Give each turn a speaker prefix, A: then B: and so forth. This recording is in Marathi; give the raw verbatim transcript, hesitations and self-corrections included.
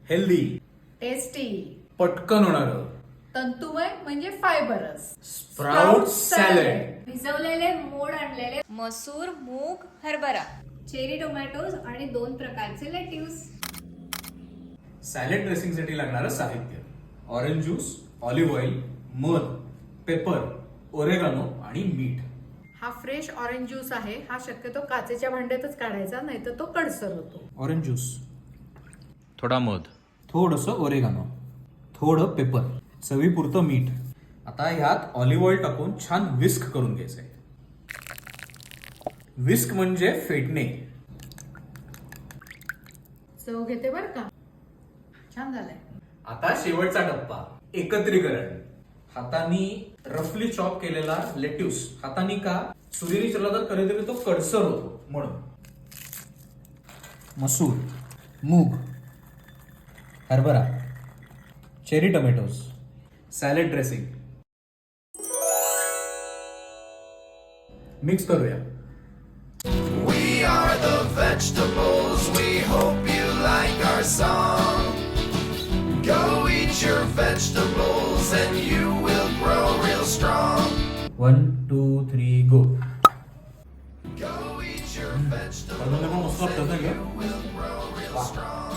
A: हेल्दी,
B: टेस्टी,
A: पटकन होणारं,
B: तंतुमय म्हणजे फायबरस
A: स्प्राउट सॅलड.
C: भिजवलेले मोड आणलेले
D: मसूर, मूग, हरभरा,
C: चेरी टोमॅटोज आणि दोन प्रकारचे लेट्यूस.
A: सॅलड ड्रेसिंगसाठी लागणारं साहित्य: ऑरेंज ज्यूस, ऑलिव्ह ऑइल, मध, पेपर, ओरेगानो आणि मीठ.
B: हा फ्रेश ऑरेंज ज्यूस आहे. हा शक्यतो काचेच्या भांड्यातच काढायचा, नाही तर तो कडसर होतो.
A: ऑरेंज ज्यूस,
E: थोडा मध,
A: थोडंसं ओरेगानो, थोडं पेपर, चवीपुरतं मीठ. आता ह्यात ऑलिव्ह ऑइल टाकून छान विस्क करून घ्यायचंय. विस्क म्हणजे फेटणे.
B: चव घेते बर का. छान झालंय.
A: आता शेवटचा टप्पा, एकत्रीकरण. हातानी रफली चॉप केलेला लेट्यूस, हातानी का सुरीने चिरला तर कधीतरी तो कडसर होतो म्हणून. मसूर, मूग, हरभरा, cherry tomatoes, salad dressing. Mix करूया.
F: We are the vegetables, we hope you like our song. Go eat your vegetables and you will grow real strong.
A: One two three go.
F: Go eat your vegetables and you will grow real strong.